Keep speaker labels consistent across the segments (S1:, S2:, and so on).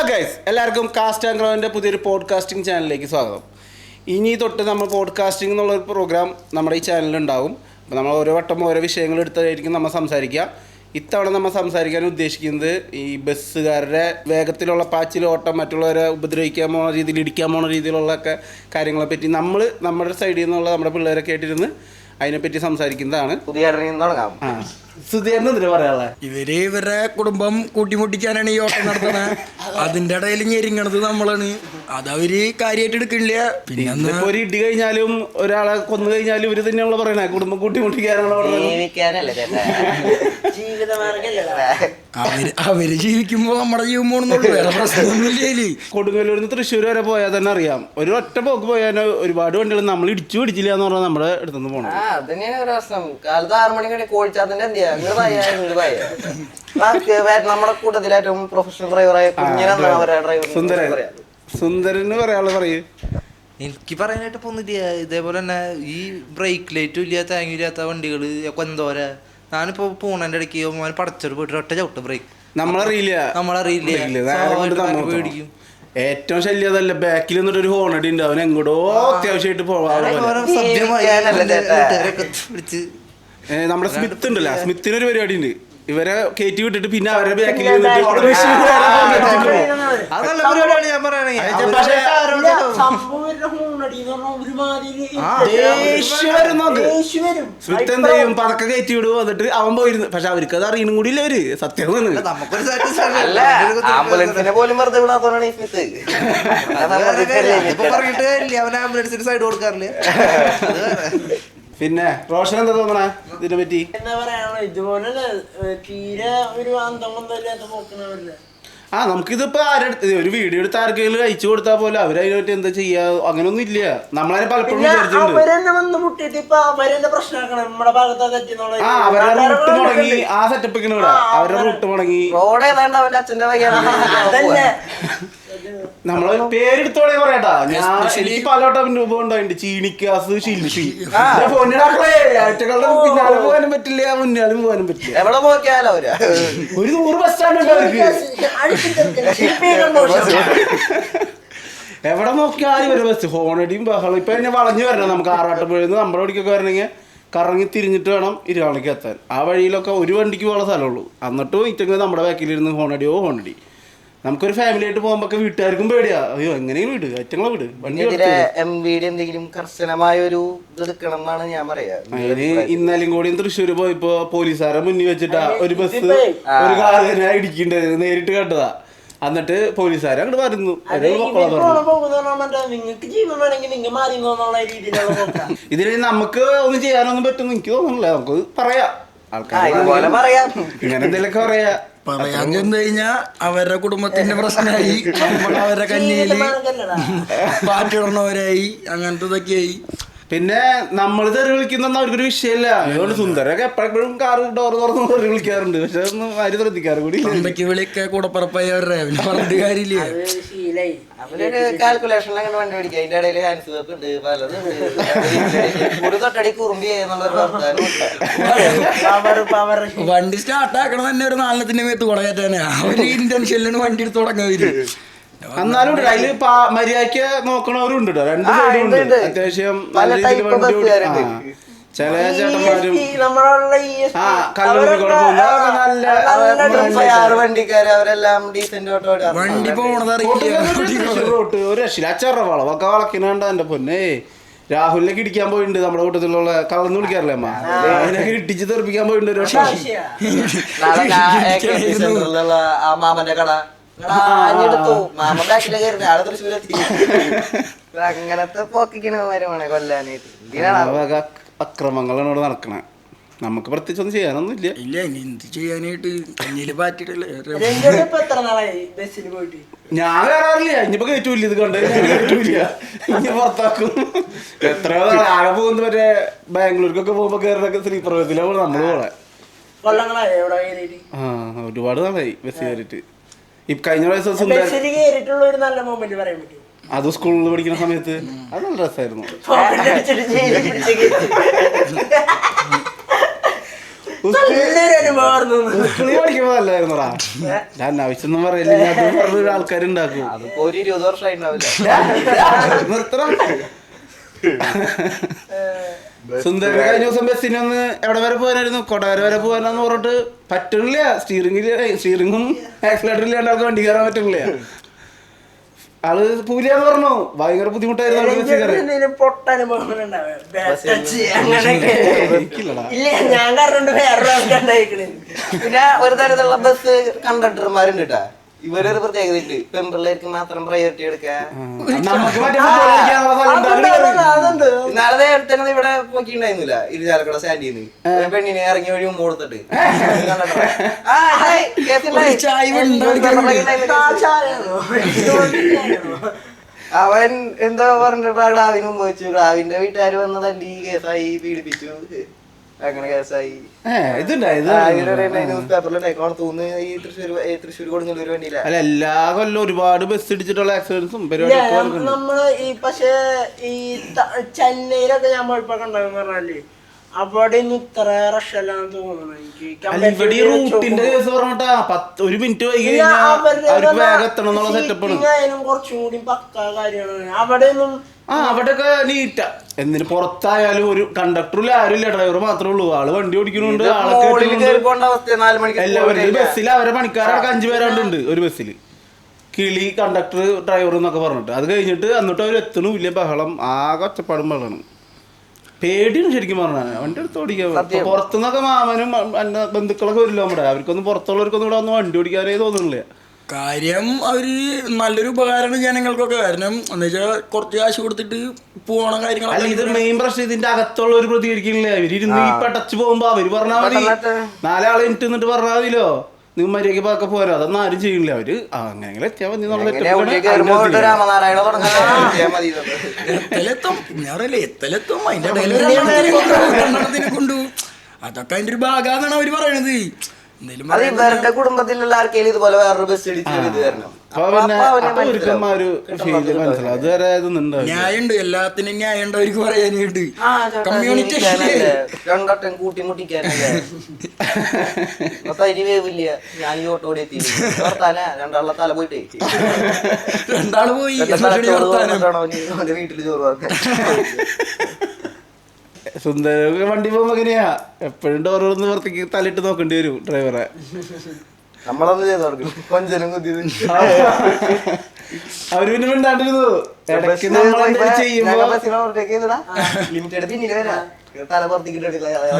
S1: Guys, എല്ലാവർക്കും cast and ക്രൗവിൻ്റെ പുതിയൊരു podcasting ചാനലിലേക്ക് സ്വാഗതം. ഇനി തൊട്ട് നമ്മൾ പോഡ്കാസ്റ്റിംഗ് എന്നുള്ളൊരു പ്രോഗ്രാം നമ്മുടെ ഈ ചാനലിലുണ്ടാവും. അപ്പോൾ നമ്മൾ ഓരോ വട്ടം ഓരോ വിഷയങ്ങൾ എടുത്തായിരിക്കും നമ്മൾ സംസാരിക്കുക. ഇത്തവണ നമ്മൾ സംസാരിക്കാൻ ഉദ്ദേശിക്കുന്നത് ഈ ബസ്സുകാരുടെ വേഗത്തിലുള്ള പാച്ചിലോട്ടം, മറ്റുള്ളവരെ ഉപദ്രവിക്കാൻ പോണ രീതിയിൽ, ഇടിക്കാൻ പോണ രീതിയിലുള്ള ഒക്കെ കാര്യങ്ങളെ പറ്റി നമ്മൾ നമ്മുടെ സൈഡിൽ നിന്നുള്ള നമ്മുടെ പിള്ളേരെ കേട്ടിരുന്ന് അതിനെപ്പറ്റി സംസാരിക്കുന്നതാണ്. സുധീറിനെന്തിനാ പറയാനുള്ളത്?
S2: ഇവരുടെ കുടുംബം കൂട്ടിമുട്ടിക്കാനാണ് ഈ ഓട്ടം നടത്തുന്നത്. അതിന്റെ ഇടയിൽ ഞെരിങ്ങണത് നമ്മളാണ്. അതവര് കാര്യമായിട്ട് എടുക്കണില്ല. പിന്നെ
S1: ഒരു ഇടി കഴിഞ്ഞാലും ഒരാളെ കൊന്നു കഴിഞ്ഞാലും ഇവര് തന്നെയാണല്ലോ പറയണേ കുടുംബം കൂട്ടിമുട്ടിക്കാനാണോ
S2: അവര് ജീവിക്കുമ്പോ നമ്മുടെ ജീവൻ പോണെന്നുള്ളൂ, വേറെ പ്രശ്നമൊന്നുമില്ലേ.
S1: കൊടുങ്ങല്ലൂരിന്ന് തൃശ്ശൂർ വരെ പോയാൽ തന്നെ അറിയാം, ഒരു ഒറ്റ പോക്ക് പോയാൽ ഒരുപാട് വണ്ടികൾ നമ്മൾ ഇടിച്ചു പിടിച്ചില്ല എന്ന് പറഞ്ഞാൽ നമ്മുടെ അടുത്തുനിന്ന് പോകണം.
S3: നമ്മുടെ കൂട്ടത്തിലേറ്റവും പ്രൊഫഷണൽ ഡ്രൈവറായ
S1: സുന്ദരന് പറയാനുള്ള പറയൂ.
S4: എനിക്ക് പറയാനായിട്ട് പോകുന്നില്ല. ഇതേപോലെ തന്നെ ഈ ബ്രേക്ക് ലൈറ്റും ഇല്ല, താങ്ങും ഇല്ലാത്ത വണ്ടികൾ എന്തോരാ. ഞാനിപ്പോ പോണേന്റെ ഇടയ്ക്ക് പടച്ചോട് പോയിട്ട് ഒറ്റ ചവിട്ട് ബ്രേക്ക് നമ്മളറിയില്ല പേടിക്കും.
S1: ഏറ്റവും ശല്യം അതല്ല, ബാക്കിൽ നിന്നിട്ട് ഒരു ഹോണടി ഉണ്ട്, അവൻ എങ്ങോട്ടോ അത്യാവശ്യമായിട്ട് പോകാൻ. നമ്മുടെ സ്മിത്ത് ഉണ്ടല്ലോ, സ്മിത്തിനൊരു പരിപാടി ഉണ്ട്. ഇവരെ കയറ്റി വിട്ടിട്ട് പിന്നെ അവരുടെ ബാക്കിൽ സ്മിത്ത് എന്ത് ചെയ്യും, പതക്കെ കയറ്റി വിടുവോ, എന്നിട്ട് അവൻ പോയിരുന്നു. പക്ഷെ അവർക്ക് അത് അറിയണം കൂടി ഇല്ല. അവര് സത്യം
S3: ആംബുലൻസിനെ പോലും വെറുതെ വിടാത്തോണ്ടാണ് ഈ സ്മിത്ത്.
S4: പറഞ്ഞിട്ട് അവൻ ആംബുലൻസിന് സൈഡ് കൊടുക്കാറില്ല.
S1: പിന്നെ റോഷൻ എന്താ തോന്നണേ ഇതിനെ പറ്റി?
S5: എന്താ പറയാനുള്ള ഇതുപോലെ തീരെ ഒരു അന്തമൊന്നുമില്ലാത്ത പോക്കണവരില്ല.
S1: നമുക്കിതിപ്പോ ഒരു വീഡിയോ എടുത്ത് ആർക്കെങ്കിലും അയച്ചു കൊടുത്താൽ പോലെ അവരതിനെ പറ്റി എന്താ ചെയ്യാ, അങ്ങനൊന്നും ഇല്ല. നമ്മളതിനെ പലപ്പോഴും
S5: അവരെന്നെ വന്ന് മുട്ടിട്ട് ഇപ്പൊ അവരെന്നെ പ്രശ്നമാക്കണം. നമ്മുടെ ഭാഗത്താ തെറ്റിന്നുള്ള
S1: അവരുടെ റൂട്ട് മുടങ്ങി, ആ സെറ്റപ്പിന് ഇവിടെ അവരുടെ റൂട്ട് മുടങ്ങി.
S3: റോഡ് ഏതാണ്ട് അവന്റെ അച്ഛന്റെ
S5: അതന്നെ
S1: നമ്മള് പേരെടുത്തോടെ പറയട്ടാ. എനിക്ക് പലവട്ടം രൂപം ഉണ്ടായിട്ടുണ്ട്. ചീണിക്കാസ്, ശില്പി, ആഴ്ചകളുടെ പിന്നാലെ പോകാനും പറ്റില്ല, മുന്നാലും പോകാനും പറ്റില്ല.
S3: എവിടെ നോക്കിയാലോ
S1: ഒരു 100 ബസ് സ്റ്റാൻഡ് ഉണ്ട് അവർക്ക്. എവിടെ നോക്കിയാലും ഒരു ബസ് ഹോണടിയും ബഹളം. ഇപ്പൊ എന്നെ വളഞ്ഞു വരണം. നമുക്ക് ആറാട്ടുപുഴന്ന് നമ്മുടെ വഴിക്കൊക്കെ വരണമെങ്കിൽ കറങ്ങി തിരിഞ്ഞിട്ട് വേണം ഇരുവാണിക്ക് എത്താൻ. ആ വഴിയിലൊക്കെ ഒരു വണ്ടിക്ക് പോകാൻ സ്ഥലമുള്ളൂ. എന്നിട്ടും ഇറ്റങ്ങൾ നമ്മുടെ ബാക്കിലിരുന്ന് ഹോണടിയോ ഹോണടി. നമുക്കൊരു ഫാമിലി ആയിട്ട് പോകുമ്പോ വീട്ടുകാർക്കും പേടിയാ. അയ്യോ എങ്ങനെയും വിട്, അറ്റങ്ങളെ വിട്.
S3: എന്തെങ്കിലും കർശനമായ ഒരു ഇത് എടുക്കണം എന്നാണ് ഞാൻ പറയാ.
S1: അതിന് ഇന്നലെയും കൂടി തൃശ്ശൂര് പോയപ്പോ പോലീസുകാരെ മുന്നിൽ വെച്ചിട്ടാ ഒരു ബസ് ഒരു കാറിനെ ഇടിക്കണ്ടത് നേരിട്ട് കണ്ടതാ. എന്നിട്ട് പോലീസുകാരെ അങ്ങോട്ട് വരുന്നു. ഇതിന് നമുക്ക് ഒന്നും ചെയ്യാനൊന്നും പറ്റും എനിക്ക് തോന്നുന്നില്ല. നമുക്ക് പറയാം, ആൾക്കാർ ഇങ്ങനെ എന്തെങ്കിലുമൊക്കെ പറയാ.
S2: പറയാൻ ചെന്ന് കഴിഞ്ഞാ അവരുടെ കുടുംബത്തിന്റെ പ്രശ്നമായി, അവരുടെ കഞ്ഞിയില് പാറ്റിടണവരായി, അങ്ങനത്തെ ഇതൊക്കെയായി.
S1: പിന്നെ നമ്മൾ തെറി വിളിക്കുന്ന അവർക്കൊരു വിഷയമില്ല. അതുകൊണ്ട് സുന്ദരൊക്കെ എപ്പോഴും കാറ് ഡോർ തുറന്ന് തെറി വിളിക്കാറുണ്ട്. പക്ഷെ ഒന്നും ആരും ശ്രദ്ധിക്കാറ് കൂടി.
S2: അമ്പയ്ക്ക് വിളിയൊക്കെ കൂടപ്പുറപ്പായി അവരുടെ പറഞ്ഞിട്ട് കാര്യമില്ല.
S3: അവരൊരു കാൽക്കുലേഷനിൽ അങ്ങനെ വണ്ടി പിടിക്കുക. അതിന്റെ ഇടയിൽ ഹാൻഡ് സോപ്പ് ഉണ്ട്, പലതും ഉണ്ട്. തൊട്ടടി കുറുമ്പി
S2: വണ്ടി സ്റ്റാർട്ട് ആക്കണം തന്നെ ഒരു നാലെണ്ണത്തിന്റെ മേത്ത് കുടകയറ്റാനാ. അവര് ഇന്റൻഷനിലാണ് വണ്ടി എടുത്ത് തുടങ്ങാവര്.
S1: എന്നാലും അതില് മര്യാദക്ക് നോക്കണവരുണ്ട്. രണ്ട് സൈഡുണ്ട്. അത്യാവശ്യം നല്ല രീതിയിൽ വണ്ടി ചില ചേട്ടന്മാരും
S3: വണ്ടിക്കാര് അവരെല്ലാം ഡീസന്റ്
S2: വണ്ടി പോണത്
S1: ഒരു രക്ഷയില്ല. അച്ചറ വളവൊക്കെ വളക്കിനാണ്ട എന്റെ പൊന്നെ. രാഹുലിനൊക്കെ ഇടിക്കാൻ പോയിട്ടുണ്ട്. നമ്മുടെ കൂട്ടത്തിലുള്ള കള്ളന്ന് വിളിക്കാറില്ലേ അമ്മ, അതിനൊക്കെ ഇടിച്ച് തെറിപ്പിക്കാൻ പോയിട്ടുണ്ട്. ഒരു
S3: മാമന്റെ കട അങ്ങനത്തെ പോക്കിക്കണ കൊല്ലാനായിട്ട്
S1: അക്രമങ്ങളാണ് ഇവിടെ നടക്കണേ. നമുക്ക് പ്രത്യേകിച്ച് ഒന്നും ചെയ്യാനൊന്നും ഇല്ല.
S2: ഇല്ല, ഇനി എന്ത് ചെയ്യാനായിട്ട് കഞ്ഞില് പാറ്റിട്ടല്ലേ.
S1: ഞാൻ കയറാറില്ല. ഇനിയിപ്പോ കയറ്റൂല്ല. ഇത് കണ്ട് കയറ്റൂല. ഇനി പുറത്താക്കും. എത്രയോ ആകെ പോകുന്ന മറ്റേ ബാംഗ്ലൂർക്കൊക്കെ പോകുമ്പോ കയറുന്നൊക്കെ സ്ലീപ്പർ ബസ്സിലാണ് നമ്മള് പോളെ. ഒരുപാട് നാളായി ബസ് കയറിയിട്ട്. ഈ കഴിഞ്ഞ പ്രാവശ്യം അത് സ്കൂളിൽ പഠിക്കുന്ന സമയത്ത് അത് നല്ല രസമായിരുന്നു. സ്കൂളിൽ പഠിക്കുമ്പോ നല്ലായിരുന്നടാ. ഞാൻ ആവശ്യമൊന്നും പറയില്ല, അത് പറഞ്ഞ ആൾക്കാരുണ്ടാക്കും.
S3: അതിപ്പോ ഒരു 20 വർഷമായി ഉണ്ടാവില്ല.
S1: നിർത്തണം. സുന്ദരൻ കഴിഞ്ഞ ദിവസം ബസ്സിന് ഒന്ന് എവിടെ വരെ പോകാനായിരുന്നു, കൊടകര വരെ പോകാനാന്ന് പറഞ്ഞിട്ട് പറ്റണില്ല. സ്റ്റീറിങ്ങും ആക്സിലേറ്ററും ഇല്ലാണ്ട് ആൾക്ക് വണ്ടി കയറാൻ പറ്റണില്ല. ആള് പൂലിയാന്ന് പറഞ്ഞു. ഭയങ്കര ബുദ്ധിമുട്ടായിരുന്നു.
S5: ഞാൻ കാരണം വേറെ ആൾക്കാണ്ടായിക്കണേ.
S3: പിന്നെ ഒരു തരത്തിലുള്ള ബസ് കണ്ടക്ടർമാരുണ്ട് കേട്ടാ. ഇവരൊരു പ്രത്യേകത ഉണ്ട്, പെൺപിള്ളേർക്ക് മാത്രം പ്രയോറിറ്റി എടുക്കുക. നാളെ തന്നെ ഇവിടെ നോക്കിണ്ടായിരുന്നില്ല, ഇരുചാലക്കുട സ്റ്റാൻഡിൽ നിന്ന് പെണ്ണിനെ ഇറങ്ങി വഴി മുമ്പ് കൊടുത്തിട്ട് അവൻ എന്താ പറഞ്ഞിട്ട് ക്ലാവിന് മുമ്പ് വെച്ചു. ക്ലാവിന്റെ വീട്ടുകാർ വന്ന് തല്ലി, കേസായി, പീഡിപ്പിച്ചു, അങ്ങനെ കേസായി. ന്യൂസ് പേപ്പറിലുണ്ടായിക്കോണം തോന്നുന്നു. ഈ തൃശ്ശൂർ കൊടുങ്ങല്ലൂർ വണ്ടിയില്ല.
S1: അല്ല, എല്ലാ കൊല്ലം ഒരുപാട് ബസ് ഇടിച്ചിട്ടുള്ള ആക്സിഡൻസും പരിപാടിയൊക്കെ
S5: നമ്മള് ഈ പക്ഷെ ഈ ചെന്നൈയിലൊക്കെ ഞാൻ പോയപ്പോ കണ്ടെന്ന് പറഞ്ഞാല് അവിടെ ഒന്നും ഇത്ര റഷല്ലാന്ന് തോന്നുന്നു എനിക്ക്.
S1: റൂട്ടിന്റെ കേസ് പറഞ്ഞിട്ടാ 1 മിനിറ്റ് വൈകി കഴിഞ്ഞാൽ അവർക്ക് വേഗം എത്തണം എന്നുള്ള സെറ്റപ്പാണ്.
S5: കുറച്ചും കൂടി പക്കാ കാര്യമാണ് അവിടെ ഒന്നും.
S1: അവിടെയൊക്കെ നീറ്റാ. എന്തിന് പുറത്തായാലും ഒരു കണ്ടക്ടറില്ല, ആരും ഇല്ല, ഡ്രൈവർ മാത്രമേ ഉള്ളൂ. ആള് വണ്ടി ഓടിക്കുന്നുണ്ട്, എല്ലാവരും ബസ്സിൽ അവരെ പണിക്കാരൊക്കെ 5 പേരാണ്ടുണ്ട് ഒരു ബസ്സിൽ. കിളി, കണ്ടക്ടർ, ഡ്രൈവർ എന്നൊക്കെ പറഞ്ഞിട്ട്. അത് കഴിഞ്ഞിട്ട് എന്നിട്ട് അവർ എത്തണു, വലിയ ബഹളം, ആകെ ഒച്ചപ്പാടും ബഹളമാണ്. പേടിയാണ് ശരിക്കും പറഞ്ഞാൽ വണ്ടി എടുത്ത് ഓടിക്കാൻ. പുറത്തുനിന്നൊക്കെ മാമനും എന്റെ ബന്ധുക്കളൊക്കെ വരില്ല നമ്മുടെ. അവർക്കൊന്നും പുറത്തുള്ളവർക്കൊന്നും ഇവിടെ വന്ന് വണ്ടി ഓടിക്കാനേ തോന്നുന്നില്ല.
S2: കാര്യം അവര് നല്ലൊരു ഉപകാരമാണ് ജനങ്ങൾക്കൊക്കെ. കാരണം എന്ന് വെച്ചാൽ കുറച്ച് കാശ് കൊടുത്തിട്ട് പോണ കാര്യങ്ങൾ.
S1: ഇത് മെയിൻ പ്രശ്നം ഇതിന്റെ അകത്തുള്ള ഒരു പ്രതികരിക്കുന്നില്ല. അവരിരുന്ന് ഈ പടച്ചു പോകുമ്പോ അവര് പറഞ്ഞാൽ മതി, 4 ആളെ ഇട്ട് നിന്നിട്ട് പറഞ്ഞാൽ മതിയല്ലോ, നിങ്ങൾ മര്യാദക്ക് പാക്കെ പോരാ. അതൊന്നും ആരും ചെയ്യില്ല. അവര് അങ്ങനെങ്കിലും എത്തിയാൽ മതി എന്നുള്ള
S2: എത്തലെത്തും. ഞാൻ പറയല്ലേ, എത്തലെത്തും. അതിന്റെ ഇടയിൽ കൊണ്ടു അതൊക്കെ അതിന്റെ ഒരു ഭാഗമാണെന്നാണ് അവര് പറയണത്.
S3: ഇവരുടെ കുടുംബത്തിലുള്ള ആർക്കെങ്കിലും ഇതുപോലെ വേറൊരു ബസ് ഇടിച്ചു തരണം.
S2: ന്യായമുണ്ട്, എല്ലാത്തിനും ന്യായമുണ്ട് അവർക്ക് പറയാനായിട്ട്. കമ്മ്യൂണിറ്റി
S3: രണ്ടട്ടം കൂട്ടിമുട്ടിക്കാനല്ലേ തരി വേവില്ല. ഞാൻ ഈ ഓട്ടോ എത്തി രണ്ടാളുടെ തല പോയിട്ടേ
S2: രണ്ടാള് പോയി
S3: വീട്ടില് ചോറ്
S1: സുന്ദര വണ്ടി പോകുമ്പോ എങ്ങനെയാ എപ്പോഴും ഡോറൊന്ന് പുറത്തേക്ക് തലയിട്ട് നോക്കേണ്ടി വരും ഡ്രൈവറെ.
S3: നമ്മളൊന്നും ചെയ്ത് കൊടുക്കും കൊഞ്ചനും കുത്തിയത്.
S1: അവര് പിന്നെ മിണ്ടാണ്ടിരുന്നു.
S3: ലിമിറ്റഡ് പിന്നില് വരാ തല പുറത്തേക്ക്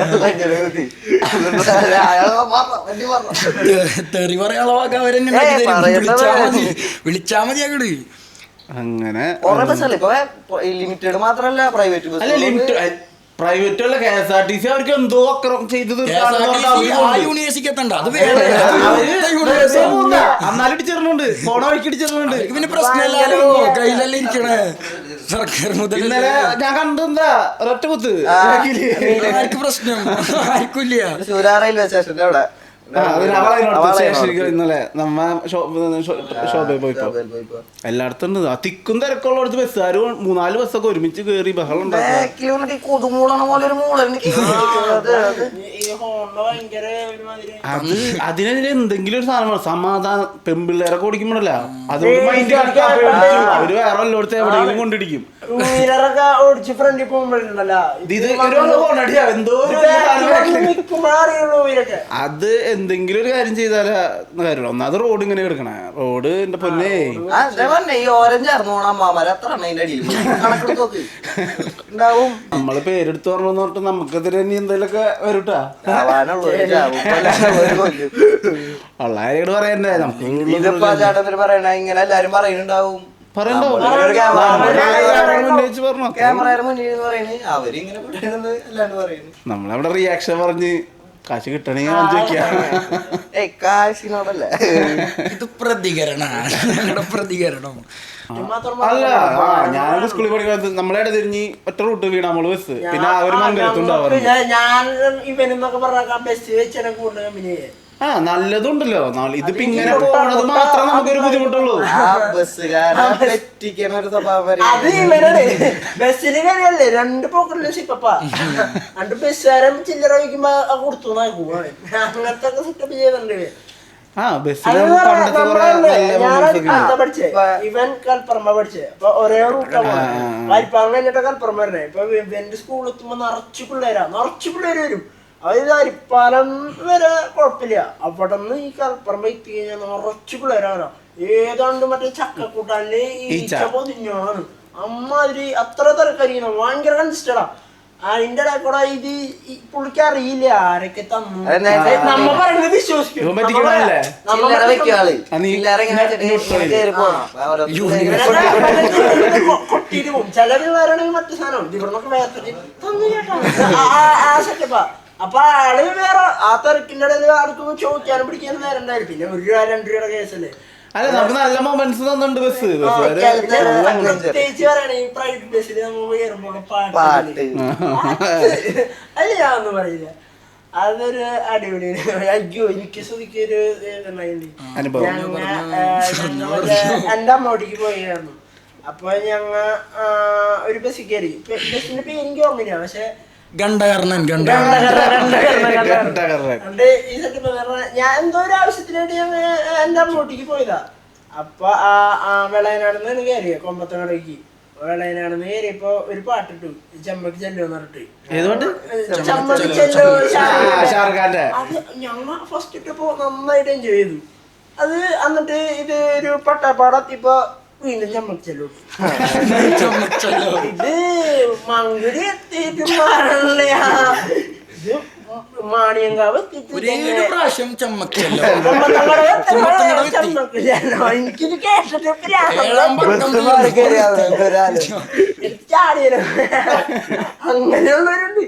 S2: തെറി പറയാനുള്ള വാക്ക് അവരെന്നെ വിളിച്ചാ മതി അങ്ങോട്ട്.
S1: അങ്ങനെ
S3: ലിമിറ്റഡ് മാത്രല്ല പ്രൈവറ്റ് ബസ്.
S1: പ്രൈവറ്റ് ഉള്ള KSRTC അവർക്ക് എന്തോ അക്രമം ചെയ്തത്
S2: യൂണിവേഴ്സിറ്റി എത്തണ്ട. അത്
S1: എന്നാലും ഇടിച്ചിരുന്നുണ്ട്, പോണ വഴിക്ക് ഇടിച്ചിരുന്നുണ്ട്.
S2: പിന്നെ പ്രശ്നമല്ലോ, കയ്യിലല്ലേ ഇരിക്കണേ സർക്കാർ മുതൽ.
S1: ഇന്നലെ ഞാൻ കണ്ടെന്താ ഒരൊറ്റ കുത്ത്.
S2: ആർക്ക് പ്രശ്നം? ആർക്കില്ല.
S3: റെയിൽവേ സ്റ്റേഷന്റെ അവിടെ
S1: ഇന്നലെ നമ്മ ഷോപ്പിൽ പോയിപ്പോ എല്ലായിടത്തും ഉണ്ട്. ആ തിക്കും തിരക്കുള്ളടത്ത് ബസ്സുകാർ 3-4 ബസ്സൊക്കെ ഒരുമിച്ച് കേറി ബഹളം ഉണ്ടാക്കും. അത് അതിനെതിരെ എന്തെങ്കിലും ഒരു സാധനം സമാധാനം. പെൺപിള്ളേരൊക്കെ ഓടിക്കുമ്പോഴല്ല അതുകൊണ്ട് മൈൻഡ് അവര് വേറെ എല്ലായിടത്ത് എവിടെയെങ്കിലും കൊണ്ടിടിക്കും. അത് എന്തെങ്കിലും ഒരു കാര്യം ചെയ്താലേ കാര്യമുള്ളൂ. ഒന്നാമത് റോഡ് ഇങ്ങനെ കിടക്കണേ. റോഡ് എന്റെ പൊന്നേ നമ്മള് പേരെടുത്ത് പറഞ്ഞെന്ന് പറഞ്ഞിട്ട് നമുക്കെതിരെ ഇനി എന്തെങ്കിലുമൊക്കെ വരൂട്ടാ. ഉള്ള കാര്യങ്ങള് പറയണ്ടേ നമുക്ക്.
S3: ഇങ്ങനെ എല്ലാരും പറയുന്നുണ്ടാവും,
S1: നമ്മളവിടെ റിയാക്ഷൻ പറഞ്ഞ് കാശ് കിട്ടണെങ്കിൽ
S3: കാശിനോടല്ലേ
S2: ഇത് പ്രതികരണം.
S1: അല്ല, ഞാൻ സ്കൂളിൽ പഠിക്കുന്നത് നമ്മളെ തിരിഞ്ഞ് ഒറ്റ റൂട്ട് വീണ നമ്മള് ബസ്. പിന്നെ ആ ഒരു മംഗലത്തുണ്ടാവാറ്.
S5: ഞാൻ ഇവനെന്നൊക്കെ പറഞ്ഞ ബസ് വെച്ചാൽ കൂടുതൽ
S1: ആ നല്ലതുണ്ടല്ലോ. ഇതിപ്പോ ഇങ്ങനെ പോകണത് മാത്രമേ നമുക്കൊരു ബുദ്ധിമുട്ടുള്ളൂ.
S3: ആ ബസ്സുകാരെ തെറ്റിക്കണ ഒരു സ്വഭാവം വരെ.
S5: അത് ഇവനാണ്. ബസ്സിന് കാര്യല്ലേ 2 പോക്കറ്റില് സിപ്പപ്പ 2 ബസ്സുകാരൻ ചില്ലറ വയ്ക്കുമ്പോ കൊടുത്തു നോക്കും. അങ്ങനത്തെ ഒക്കെ സെറ്റപ്പ് ചെയ്തിട്ടുണ്ട്.
S1: ആ ബസ്സിൽ പണ്ടത്തെ കുറെ നല്ല
S5: പഠിച്ചേ ഇവൻ കൽപ്പറമ്പ പഠിച്ചേ. അപ്പൊ ഒരേ റൂട്ടാ പോണേ. വാരിപ്പാങ്ങ കഴിഞ്ഞിട്ട് കൽപ്പറമ്പ വരണേ. ഇപ്പൊ ഇവന്റെ സ്കൂളിൽ എത്തുമ്പോ നിറച്ചു പിള്ളേര് വരും. അതായത് അരിപ്പാലം വരെ കുഴപ്പമില്ല. അവിടെ നിന്ന് ഈ കൽപ്പറമ്പ എത്തി കഴിഞ്ഞാൽ നിറച്ചു പിള്ളേരാണ്. ഏതാണ്ട് മറ്റേ ചക്കക്കൂട്ടാനില് ഈച്ച പൊതിഞ്ഞാണ്. അമ്മാതിരി അത്ര തിരക്കരിക്കണം. ഭയങ്കര കൺസിസ്റ്റഡാ. അതിന്റെ ഇടയിൽ കൂടെ ഇത് പുള്ളിക്ക് അറിയില്ല ആരൊക്കെ തന്നു. നമ്മ പറയുന്നത് വിശ്വസിക്കും. കൊട്ടിട്ട് പോകും. ചില പിള്ളേരാണെങ്കിൽ മറ്റു സാധനം ഇവിടുന്നൊക്കെ വേർത്തിട്ട് തന്നു കേട്ടോ ആ സെറ്റപ്പാ. അപ്പൊ ആള് വേറെ ആ തിരക്കിന്റെ ഇടയിൽ ആർക്കും ചോദിക്കാനും പിടിക്കാനും നേരം ഉണ്ടായിരുന്നു. പിന്നെ 1 രൂപ 2 രൂപയുടെ കേസല്ലേ.
S1: അല്ല നമുക്ക് നല്ല മൊമെന്റ്സ് തന്നിട്ടുണ്ട് ബസ്.
S5: പ്രത്യേകിച്ച് പറയണേ ഈ പ്രൈവറ്റ് ബസ്സിൽ നമ്മൾ കയറുമ്പോൾ പാട്ട് അല്ല ഞാനൊന്നും പറയില്ല. അതൊരു അടിപൊളി. അയ്യോ എനിക്ക് ശ്രുതിക്കൊരു എന്റെ അമ്മോട്ടിക്ക് പോയിരുന്നു. അപ്പൊ ഞങ്ങ ഒരു ബസ്സിൽ കയറി. ബസ്സിന്റെ പേര് എനിക്ക് ഓർമ്മയില്ല. പക്ഷെ
S2: ഗണ്ഡകർണൻ
S5: ഞാൻ എന്തോ ഒരു ആവശ്യത്തിനായിട്ട് ഞാൻ എന്റെ അമ്മോട്ടിക്ക് പോയതാ. അപ്പൊ ആ വെളയനാടുന്ന് കയറിയ കൊമ്പത്തങ്ങടേക്ക്. വെളയനാടുന്ന് കയറിയപ്പോ ഒരു പാട്ടിട്ടു ചെമ്പക്ക് ചെല്ലുമെന്ന് പറഞ്ഞിട്ട്. ചെമ്പക്ക് ചെല്ലോ ഞങ്ങ ഫസ്റ്റ് ഇട്ടപ്പോ നന്നായിട്ട് എൻജോയ് ചെയ്തു അത്. എന്നിട്ട് ഇത് ഒരു പട്ടാപ്പാടെത്തിയപ്പോ വീണ്ടും ചെമ്മച്ചല്ലോ. ഇത് മങ്കുടി എത്തിയിട്ട് മാറണല്ലേ. ഇത് മാണിയങ്കാവ്
S2: പ്രാവശ്യം ചമ്മക്കല്ലോ.
S5: എനിക്കിത് കേട്ടിട്ട് ചാടിയ അങ്ങനെയുള്ളവരുണ്ട്.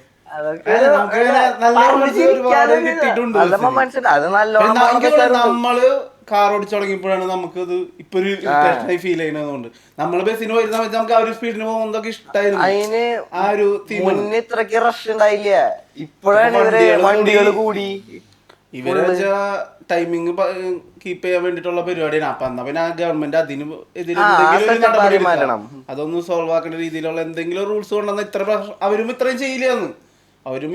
S1: നമ്മള് കാർ ഓടിച്ചു തുടങ്ങിയപ്പോഴാണ് നമുക്കത് ഇപ്പൊ ഒരു ഫീൽ ചെയ്യുന്നതുകൊണ്ട് നമ്മള് ബസ്സിന് പോയിരുന്ന സമയത്ത് നമുക്ക് ആ ഒരു സ്പീഡിന് പോകുന്നതൊക്കെ ഇഷ്ടമായിരുന്നു.
S3: അതിന് ആ ഒരു ഇത്രക്ക് റഷ് ഉണ്ടായില്ല. ഇപ്പോഴാണ് ഇവര് വണ്ടികൾ കൂടി.
S1: ഇവരെ ടൈമിങ് കീപ്പ് ചെയ്യാൻ വേണ്ടിട്ടുള്ള പരിപാടിയാണ്. അപ്പൊ എന്നാ പിന്നെ ഗവൺമെന്റ് അതിന് എതിരെ അതൊന്നും സോൾവ് ആക്കേണ്ട രീതിയിലുള്ള എന്തെങ്കിലും റൂൾസ് കൊണ്ടുവന്ന ഇത്ര അവരും ഇത്രയും ചെയ്യില്ലാന്ന്. അവരും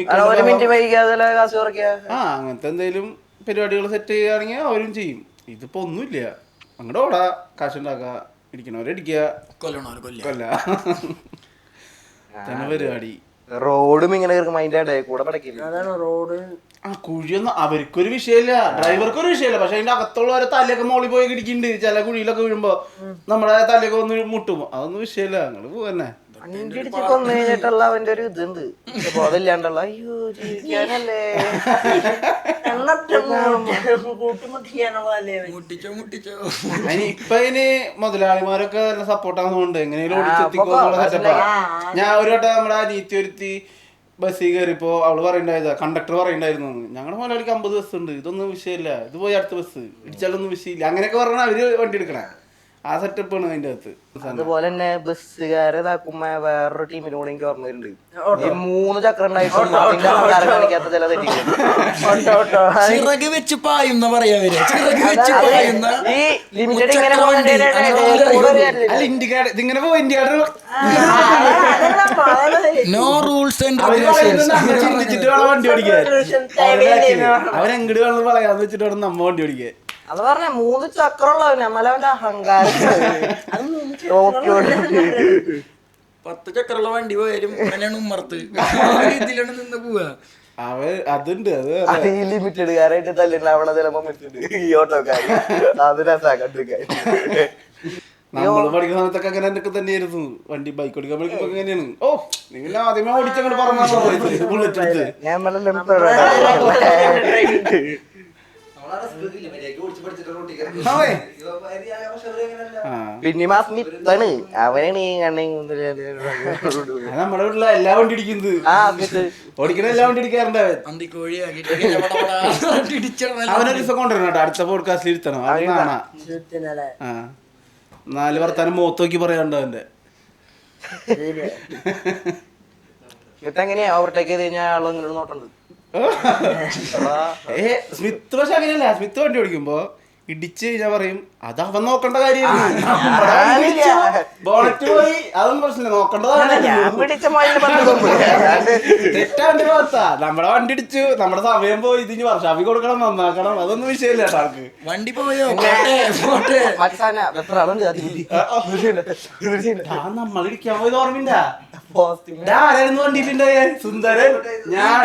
S1: അങ്ങനത്തെ എന്തെങ്കിലും പരിപാടികൾ സെറ്റ് ചെയ്യുകയാണെങ്കിൽ അവരും ചെയ്യും. ഇതിപ്പോ ഒന്നുമില്ല. അങ്ങോട്ട് ഓടാ, കാശുണ്ടാക്ക, ഇടിക്കണവരടിക്കുക, കൊല്ല തന്നെ പരിപാടി.
S3: റോഡും ഇങ്ങനെ അതിന്റെ കൂടെ
S5: അതാണ് റോഡ്.
S1: ആ കുഴിയൊന്നും അവർക്കൊരു വിഷയമില്ല, ഡ്രൈവർക്കൊരു വിഷയമില്ല. പക്ഷെ അതിന്റെ അകത്തുള്ളവരെ തലയൊക്കെ മോളിൽ പോയി ഇടിക്കുന്നുണ്ട്. ചില കുഴിയിലൊക്കെ വീഴുമ്പോ നമ്മുടെ തലയൊക്കെ ഒന്ന് മുട്ടും. അതൊന്നും വിഷയമില്ല. ഞങ്ങള് പോവന്നെ
S3: അഞ്ചിടിച്ച് കൊന്നു കഴിഞ്ഞിട്ടുള്ള അവന്റെ ഒരു ഇതുണ്ട്. ബോധമില്ലാണ്ടുള്ള അയ്യോ ജീവിക്കാനല്ലേ
S1: അതിന് ഇപ്പൊ അതിന് മുതലാളിമാരൊക്കെ നല്ല സപ്പോർട്ടാകുന്നുണ്ട്. എങ്ങനെയും ഓടിച്ചെത്തിക്കോന്നുള്ള സെറ്റപ്പാ. ഞാൻ ഒരു വട്ടം നമ്മുടെ അനീത്തി ഒരുത്തി ബസ്സിൽ കയറിയപ്പോ അവള് പറയണ്ടായതാ, കണ്ടക്ടർ പറയണ്ടായിരുന്നു ഞങ്ങളുടെ മുതലാളിക്ക് 50 ബസ് ഉണ്ട്, ഇതൊന്നും വിഷയമില്ല, ഇത് പോയി അടുത്ത ബസ് ഇടിച്ചാലൊന്നും വിഷയമില്ല, അങ്ങനെയൊക്കെ പറഞ്ഞാൽ അവര് വണ്ടി എടുക്കണേ. ആ സെറ്റപ്പാണ് അതിന്റെ അകത്ത്.
S3: അതുപോലെ തന്നെ ബസ്സുകാരെ ഇതാക്കുമ്പോ വേറൊരു ടീമിനും കൂടെ എനിക്ക് ഓർമ്മ വരുന്നുണ്ട്. ഈ 3 ചക്രം ഉണ്ടായിട്ടും കാണിക്കാത്ത ചില
S2: ചിറക് വെച്ച് പായുന്ന പറയാ
S3: ഈ ലിമിറ്റഡ് ഇങ്ങനെ
S1: ഇതിങ്ങനെ പോ ഇന്ത്യയുടെ
S2: നോ റൂൾസ് ആൻഡ്
S1: ചിന്തിച്ചിട്ട് വേണം വണ്ടി ഓടിക്കാൻ. അവരെങ്ങോട്ട് വേണം പറയാന്ന് വെച്ചിട്ട് വേണം നമ്മ വണ്ടി ഓടിക്കാൻ.
S3: അത് പറഞ്ഞ 3 ചക്രമുള്ള നമ്മളവന്റെ അഹങ്കാരം.
S2: 10 ചക്രമുള്ള വണ്ടി പോയാലും ഉമ്മർത്ത് ഇതിലാണ് നിന്ന് പോവാ.
S1: അതുണ്ട്.
S3: അത് ഈ ലിമിറ്റഡുകാരായിട്ട് തല്ലുണ്ടാവണ ചില മൊമെന്റ് ഈ ഓട്ടോക്കാര് അത് രസാക്കണ്ടിരിക്കാൻ.
S1: നമ്മള് പഠിക്കുന്ന സമയത്തൊക്കെ അങ്ങനെ എന്തൊക്കെ തന്നെയായിരുന്നു. വണ്ടി ബൈക്ക് ഓടിക്കാൻ പഠിക്കുമ്പോ എങ്ങനെയാണ്, ഓ നിങ്ങൾ ആദ്യമേ ഓടിച്ചങ്ങോട്ട് പറഞ്ഞു ബുള്ളറ്റ് എടുത്ത്
S3: പിന്നെ മാസ്മിത്താണ് അവനാണ് ഈ
S1: നമ്മുടെ വീട്ടിലെ എല്ലാ വണ്ടി ഇടിക്കുന്നത്, ഓടിക്കണ എല്ലാ വണ്ടി ഇടിക്കാറുണ്ട് അവൻ. അവനൊരു ദിവസം കൊണ്ടുവരണം കേട്ടോ, അടുത്ത പോഡ്കാസ്റ്റിൽ ഇരുത്തണം. അത് കാണാ 4 വർത്താനം മുഖത്ത് നോക്കി പറയാണ്ട് അവന്റെ.
S3: എങ്ങനെയാ ഓവർടേക്ക് ചെയ്ത് കഴിഞ്ഞാൽ ആളങ്ങനെ നോട്ടുണ്ട്.
S1: സ്മിത്ത് പക്ഷെ അങ്ങനെയല്ല. സ്മിത്ത് വണ്ടി ഓടിക്കുമ്പോ ഇടിച്ച് കഴിഞ്ഞാൽ പറയും അത് അവൻ നോക്കേണ്ട കാര്യമാണ്. ബോണറ്റ് പോയി അതൊന്നും പ്രശ്നമില്ല, നോക്കേണ്ടതാണ്. തെറ്റാൻ്റെ ഭാഗത്താ. നമ്മുടെ വണ്ടി ഇടിച്ചു, നമ്മുടെ സമയം പോയി, ഇതിന് വർഷാപ്പി കൊടുക്കണം, നന്നാക്കണം, അതൊന്നും വിഷയമില്ല കേട്ടോ ആൾക്ക്.
S2: വണ്ടി പോയോ
S1: നമ്മൾ ഇടിക്കാൻ പോയത് ഓർമ്മയില്ല. ആരായിരുന്നു വണ്ടിയിലുണ്ട്? സുന്ദരൻ, ഞാൻ,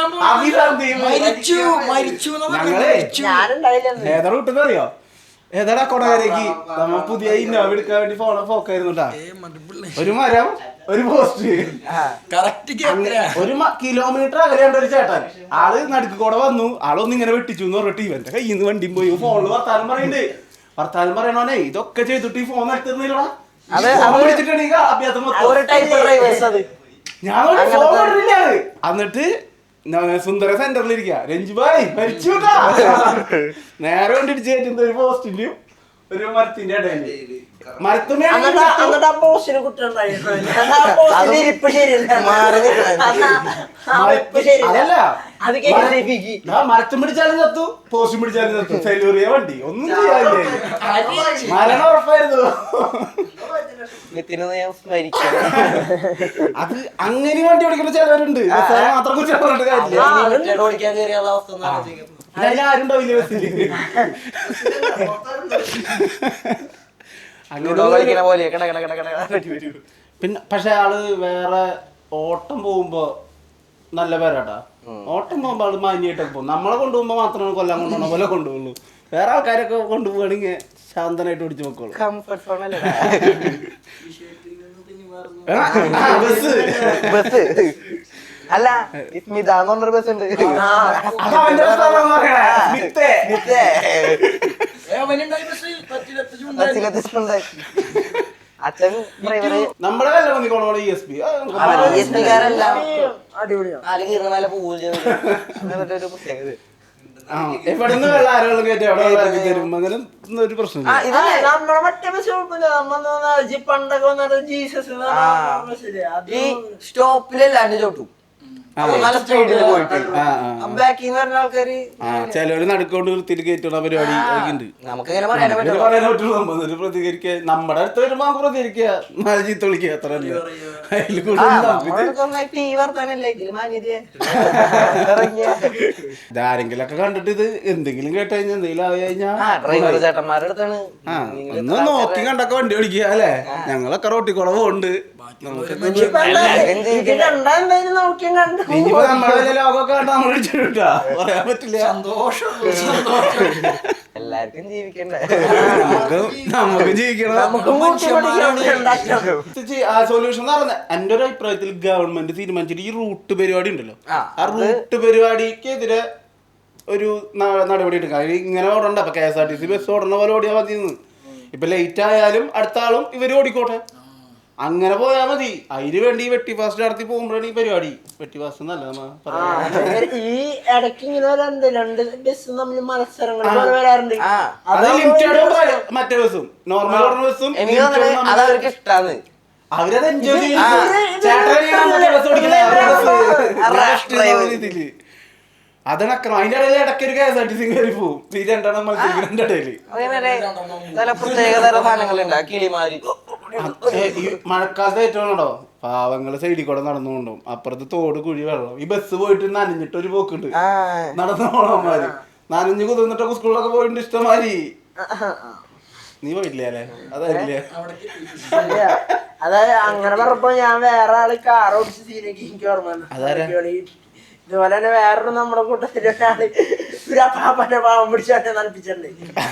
S1: ഞങ്ങളെ ഏതാ റൂട്ടെന്ന് അറിയോ? ഏതാടാ കൊടകരേക്ക് നമ്മ പുതിയ ഇന്നോവ എടുക്കാൻ വേണ്ടി പോക്കായിരുന്നു കേട്ടാ. ഒരു മരം, ഒരു പോസ്റ്റ്, ഒരു കിലോമീറ്റർ അകലെയുണ്ട് ഒരു ചേട്ടൻ. ആള് നടുക്ക് കൂടെ വന്നു, ആളൊന്നും ഇങ്ങനെ വെട്ടിച്ചു എന്ന് പറഞ്ഞിട്ട് ഇവന്റെ കയ്യിൽ നിന്ന് വണ്ടിയും പോയി. ഫോണില് വർത്താനം പറയുന്നുണ്ട്. വർത്താനം പറയണോനെ ഇതൊക്കെ ചെയ്തിട്ട് ഈ ഫോൺ എടുത്തിരുന്നില്ലടാ. ഞാൻ എന്നിട്ട് സുന്ദര സെന്ററിലിരിക്കുക. രഞ്ജുബായ് മരിച്ചു നേരെ കൊണ്ടിടിച്ച് കയറ്റുന്ന ഒരു പോസ്റ്റിന്റെയും ഒരു മരത്തിന്റെ ഇടയില്. മരത്തുമേ മരത്തും പിടിച്ചാലും ചത്തു, പോസ്റ്റും പിടിച്ചാലും ചത്തു. സെലൂറിയ വണ്ടി ഒന്നും ചെയ്യാനില്ലേ, മരണം ഉറപ്പായിരുന്നു. അത് അങ്ങനെ വണ്ടി ഓടിക്കുന്ന ചിലവരുണ്ട്. മാത്രം കുറിച്ച് പറഞ്ഞിട്ട് കാര്യമില്ല, ആരുണ്ടാവില്ല ബസ്സില്. പിന്നെ പക്ഷെ ആള് വേറെ ഓട്ടം പോകുമ്പോ നല്ല പേരാട്ടാ. ഓട്ടം പോകുമ്പോ ആള് മാന്യായിട്ടൊക്കെ പോകും. നമ്മളെ കൊണ്ടുപോകുമ്പോ മാത്രമേ കൊല്ലാൻ കൊണ്ടുപോകണ പോലെ കൊണ്ടുപോകുള്ളൂ. വേറെ ആൾക്കാരൊക്കെ കൊണ്ടുപോകണെങ്കിൽ ശാന്തനായിട്ട് ഓടിച്ചു നോക്കോളൂ.
S3: ബസ് അല്ല സ്മിതാന്ന് പറഞ്ഞൊരു ബസ് ഉണ്ട്. അച്ഛൻ ഡ്രൈവറ്.
S1: നമ്മുടെ എവിടെന്ന് വെള്ളം ആരോളം കയറ്റി അവിടെ വെള്ളം ഇറക്കി തരും. അങ്ങനെ ഒരു പ്രശ്നം
S5: നമ്മളെ മറ്റേ ബസ് കുഴപ്പമില്ല. പണ്ടൊക്കെ വന്നത് ജീസസ്
S3: ഈ സ്റ്റോപ്പിലല്ലാണ്ട് ചോട്ടും നല്ല സ്പീഡിൽ പോയിട്ട് ബാക്കിൽ നിന്ന് പറഞ്ഞ ആൾക്കാര്
S1: ചിലവര് നടുക്കൊണ്ട് നിർത്തിയിട്ട് കയറ്റുന്ന പരിപാടി ഉണ്ട്.
S3: നമുക്കിങ്ങനെ പറയാൻ
S1: പറ്റുള്ളൂ. നമ്മൊരു പ്രതികരിക്കുക, നമ്മുടെ അടുത്ത് വരുമ്പോ പ്രതികരിക്കുക, നാല് ചീത്ത വിളിക്കുക, അത്ര ഇതാരെങ്കിലൊക്കെ കണ്ടിട്ട് ഇത് എന്തെങ്കിലും കേട്ട് കഴിഞ്ഞാൽ എന്തെങ്കിലും ആയി കഴിഞ്ഞാൽ
S3: ചേട്ടന്മാരുടെ അടുത്താണ്
S1: ഒന്ന് നോക്കി കണ്ടൊക്കെ വണ്ടി ഓടിക്കുക അല്ലേ. ഞങ്ങളൊക്കെ റോട്ടിക്കുളവുണ്ട്. ഇനിയിപ്പോ നമ്മളെ ലോകമൊക്കെ കണ്ട നമ്മൾ ഇടിച്ചിട്ടാ പറയാൻ പറ്റില്ല.
S3: എല്ലാവർക്കും ജീവിക്കണ്ടേ,
S1: നമുക്ക് ജീവിക്കണം. ആ സൊല്യൂഷൻ എന്ന് പറഞ്ഞ എന്റെ ഒരു അഭിപ്രായത്തിൽ ഗവൺമെന്റ് തീരുമാനിച്ചിട്ട് ഈ റൂട്ട് പരിപാടി ഉണ്ടല്ലോ, ആ റൂട്ട് പരിപാടിക്കെതിരെ ഒരു നടപടി എടുക്കാം. ഇങ്ങനെ ഓടണ്ട. അപ്പൊ KSRTC ബസ് ഓടണ പോലെ ഓടിയാൽ മതി. ഇപ്പൊ ലേറ്റ് ആയാലും അടുത്ത ആളും ഇവര് ഓടിക്കോട്ടെ, അങ്ങനെ പോയാ മതി. അതിന് വേണ്ടി ഈ വെട്ടി ഫാസ്റ്റ് നടത്തി പോകുമ്പോഴാണ് ഈ പരിപാടി. വെട്ടി ഫാസ്റ്റ് എന്നല്ല
S5: ഈ ഇടയ്ക്ക് ഇങ്ങനെ രണ്ട് ബസ് തമ്മിൽ മത്സരങ്ങൾ വരാറുണ്ട്.
S1: മറ്റേ ബസ്സും നോർമൽ ഓടുന്ന ബസ്സും
S3: അതവർക്ക് ഇഷ്ടാണ്.
S1: അവരത് എൻജോയ് ചെയ്യും. അതണക്കണം. അതിന്റെ ഇടയിൽ ഇടയ്ക്ക് ഒരു KSRTC കയറി പോവും. ഈ രണ്ടെണ്ണം മത്സരിക്കുന്നതിന്റെ ഇടയില് ഈ മഴക്കാലത്ത് ഏറ്റവും ഉണ്ടോ പാവങ്ങള് സൈഡിൽ കൂടെ നടന്നുകൊണ്ടും അപ്പുറത്ത് തോട് കുഴി വെള്ളം. ഈ ബസ് പോയിട്ട് നനഞ്ഞിട്ട് ഒരു പോക്കുണ്ട്. നടന്നു പോണമാര് നനഞ്ഞു കുതിർന്നിട്ടൊക്കെ സ്കൂളിലൊക്കെ പോയിട്ടുണ്ട് ഇഷ്ടമാതിരി. നീ പോയിട്ടില്ലേ അല്ലേ? അതല്ലേ
S5: അതായത് അങ്ങനെ പറഞ്ഞപ്പോ ഞാൻ വേറെ ആള് കാർ ഓടിച്ച് സീനൊക്കെ എനിക്ക് ഓർമ്മ. ഇതുപോലെ തന്നെ വേറൊരു നമ്മുടെ കൂട്ടത്തില് ഒരാള് ഒരു അപ്പാപ്പന്റെ പാവം പിടിച്ചാട്ടെ നനപ്പിച്ചിട്ടുണ്ട്.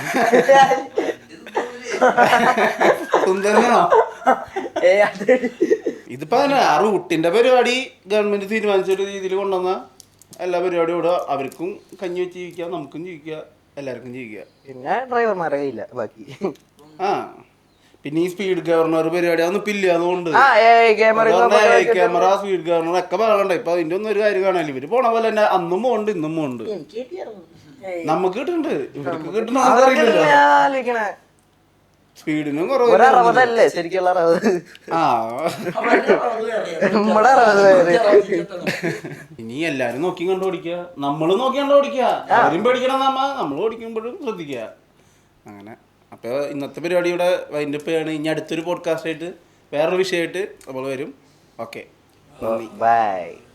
S1: ഇതിപ്പോ തന്നെ ആ റൂട്ടിന്റെ പരിപാടി ഗവൺമെന്റ് തീരുമാനിച്ചൊരു രീതിയിൽ കൊണ്ടുവന്ന എല്ലാ പരിപാടിയും ഇവിടെ അവർക്കും കഞ്ഞി വെച്ച് ജീവിക്കാം, നമുക്കും ജീവിക്കാം, എല്ലാവർക്കും ജീവിക്കാം.
S3: പിന്നെ ഡ്രൈവർമാരെ കയ്യില്ല ബാക്കി.
S1: ആ പിന്നെ ഈ സ്പീഡ് ഗവർണർ പരിപാടി അതൊന്നും ഇല്ല. അതുകൊണ്ട് ക്യാമറ സ്പീഡ് ഗവർണർ ഒക്കെ പറയണ്ട. ഇപ്പൊ അതിന്റെ ഒന്നും ഒരു കാര്യം കാണാനില്ല. ഇവര് പോണ പോലെ തന്നെ അന്നും പോകണ്ട് ഇന്നും പോകണ്ട്. നമുക്ക് കിട്ടുന്നുണ്ട്, ഇവർക്ക് കിട്ടണ സ്പീഡിനും
S3: ഒരു
S1: കുറവ്
S3: 60 ശരിക്കുള്ള 60.
S1: ആ
S3: നമ്മുടെ 60
S1: ഇനി എല്ലാരും നോക്കി കണ്ടു ഓടിക്കുക, നമ്മളും നോക്കി കണ്ടു ഓടിക്കുക, അവരും പേടിക്കണം നമ്മൾ ഓടിക്കുമ്പോഴും ശ്രദ്ധിക്കുക. അങ്ങനെ അപ്പോൾ ഇന്നത്തെ പരിപാടി ഇവിടെ വൈൻഡപ്പ് ചെയ്യാണ്. ഇനി അടുത്തൊരു പോഡ്കാസ്റ്റ് ആയിട്ട് വേറൊരു വിഷയമായിട്ട് നമ്മൾ വരും. Okay,
S3: by.